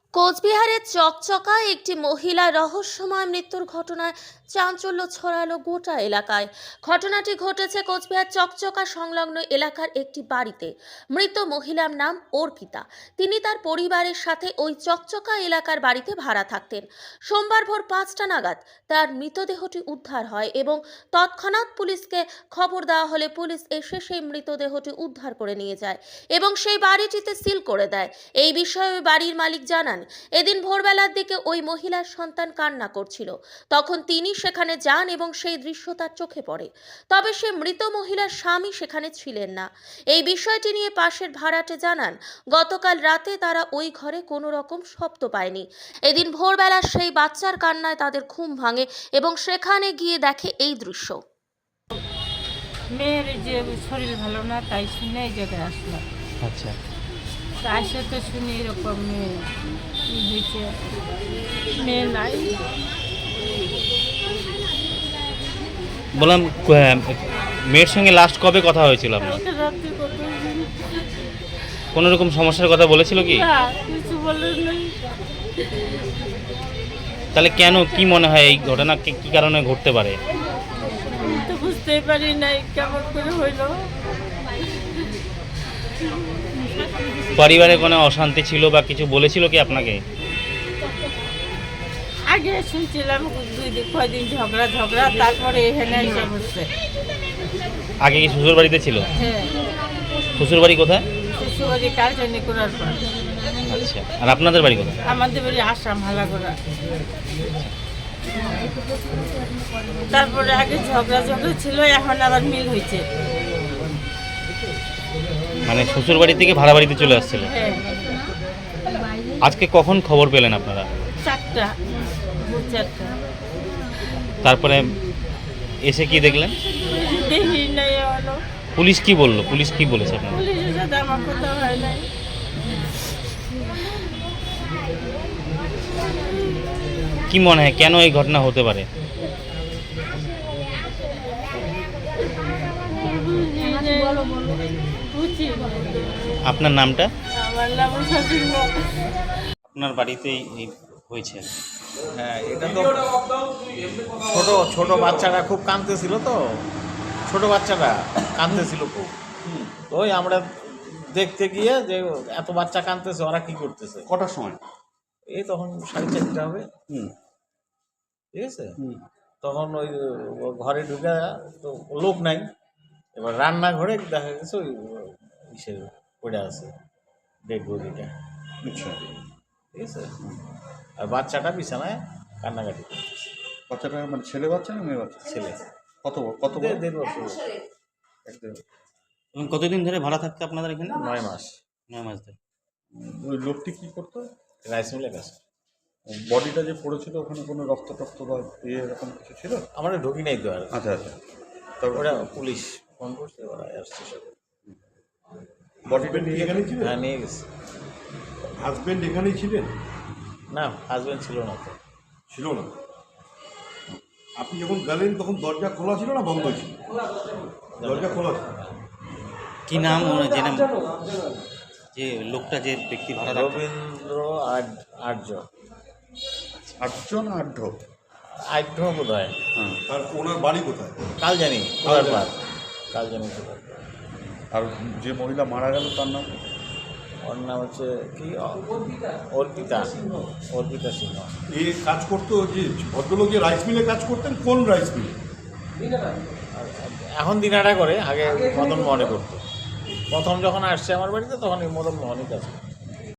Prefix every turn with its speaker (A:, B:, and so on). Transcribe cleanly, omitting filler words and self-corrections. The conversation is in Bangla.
A: কোচবিহারের চকচকায় একটি মহিলার রহস্যময় মৃত্যুর ঘটনায় চাঞ্চল্য ছড়ালো গোটা এলাকায়। ঘটনাটি ঘটেছে কোচবিহার চকচকা সংলগ্ন এলাকার একটি বাড়িতে। মৃত মহিলার নাম অর্পিতা। তিনি তার পরিবারের সাথে ওই চকচকা এলাকার বাড়িতে ভাড়া থাকতেন। সোমবার ভোর 5টা নাগাদ তার মৃতদেহটি উদ্ধার হয় এবং তৎক্ষণাৎ পুলিশকে খবর দেওয়া হলে পুলিশ এসে সেই মৃতদেহটি উদ্ধার করে নিয়ে যায় এবং সেই বাড়িটিতে সিল করে দেয়। এই বিষয়ে ওই বাড়ির মালিক জানান, এদিন ভোরবেলার দিকে ওই মহিলার সন্তান কান্না করছিল। তখন তিনি সেখানে যান এবং সেই দৃশ্য তার চোখে পড়ে। তবে সে মৃত মহিলার স্বামী সেখানে ছিলেন না। এই বিষয়টি নিয়ে পাশের ভাড়াটে জানান, গতকাল রাতে তারা ওই ঘরে কোনো রকম শব্দ পায়নি। এদিন ভোরবেলা সেই বাচ্চার কান্নায় তাদের ঘুম ভাঙে এবং সেখানে গিয়ে দেখে এই দৃশ্য।
B: মেয়ের যে শরীর ভালো না তাই শুনে এই জায়গায় আসলাম।
C: আচ্ছা,
B: তার সাথে শুনি এরকম মেয়ে হয়েছে, মেয়ে নাই।
C: বললাম মেয়ের সঙ্গে লাস্ট কবে কথা হয়েছিল আপনার?
B: কালকে রাত্রে কতদিন
C: কোনো রকম সমস্যার কথা বলেছিল কি?
B: না, কিছু বলে নাই।
C: তাহলে কেন, কি মনে হয় এই ঘটনা কি কারণে ঘটতে পারে?
B: আমি তো বুঝতেই পারি নাই কেমন করে হইল।
C: পরিবারে কোনো অশান্তি ছিল বা কিছু বলেছিল কি আপনাকে?
B: আগে শুনছিলাম কয়দিন ঝগড়া, তারপরে এখানে এসে বসছে।
C: আগে কি শ্বশুর বাড়িতে ছিল?
B: হ্যাঁ,
C: শ্বশুর বাড়ি কোথায়?
B: শ্বশুরবাড়ি কালচানি করার পর।
C: আচ্ছা, আর আপনাদের বাড়ি কোথায়?
B: আমাদের বাড়ি আসাম হালাগোড়া। তারপরে আগে ঝগড়া ছিল, এখন আবার মিল হয়েছে।
C: মানে শ্বশুর বাড়ি থেকে ভাড়া বাড়িতে চলে আসছিল।
B: হ্যাঁ,
C: আজকে কখন খবর পেলেন আপনারা?
B: 4টা।
C: তারপরে এসে কি দেখলেন?
B: দেখি নাই এখনো।
C: পুলিশ কি বললো? পুলিশ কি বলেছে আপনারা?
B: পুলিশের সাথে আমার কথা হয় নাই।
C: কি মনে হয় কেন এই ঘটনা হতে পারে?
B: বুঝি না।
C: আপনার নামটা?
B: আমার নাম শাশুড়ি।
C: আপনার বাড়িতেই হয়েছে?
D: হ্যাঁ, এটা তো ছোট বাচ্চারা খুব কাঁদতেছিল, তো ছোট বাচ্চারা কাঁদতেছিল খুব। তো ওই আমরা দেখতে গিয়ে যে এত বাচ্চা কাঁদতেছে, ওরা কি করতেছে।
E: কটার সময়?
D: এই তখন 4:30 হবে। ঠিক আছে, তখন ওই ঘরে ঢুকে তো লোক নাই। এবার রান্নাঘরে দেখা গেছে ওই ইসে পড়ে আছে ডেড বডিটা।
E: আচ্ছা,
D: ঠিক আছে, আর বাচ্চাটা বিছানায় কান্নাকাটি করতেছে।
E: বাচ্চাটা মানে ছেলে বাচ্চা না মেয়ে বাচ্চা?
D: ছেলে,
E: কত বড়?
D: 1.5 বছর।
C: এবং কতদিন ধরে ভাড়া থাকতে আপনাদের এখানে?
D: 9 মাস।
C: 9 মাস ধরে।
E: ওই লোকটি কি করতো?
D: রাইস মিলে কাজ।
E: বডিটা যে পড়েছিল ওখানে কোনো রক্ত টক্ত বা এরকম কিছু ছিল?
D: আমরা ঢুকি নাই তো আর।
E: আচ্ছা, তারপরে
D: ওরা পুলিশ ফোন করছে, ওরা আসছে সব।
E: বডিটা নিয়ে এখানেই ছিলেন?
D: হ্যাঁ, নিয়ে গেছে।
E: হাজবেন্ড এখানেই ছিলেন?
D: না, হাজবেন্ড ছিল না তো।
E: ছিল না। আপনি যখন গেলেন তখন দরজা খোলা ছিল না বন্ধ ছিল? দরজা খোলা ছিল।
C: কি নাম যে নাম, যে লোকটা, যে ব্যক্তি ভাড়া থাকতো?
D: রবীন্দ্র আর্য।
E: আটজন আঢ্য?
D: আর্য বোধ হয়।
C: হ্যাঁ।
E: আর ওনার বাড়ি কোথায়?
D: কাল জানি কাল জানি কোথায়।
E: আর যে মহিলা মারা গেল তার নাম?
D: ওর নাম হচ্ছে কি, অর্পিতা সিংহ।
E: এই কাজ করতো যে ভদ্রলোক, যে রাইস মিলে কাজ করতেন, কোন রাইস মিলে?
D: এখন দিনাটা করে, আগে মদন মোহনে করতো। প্রথম যখন আসছে আমার বাড়িতে তখন এই মদন মোহনই কাজ করতো।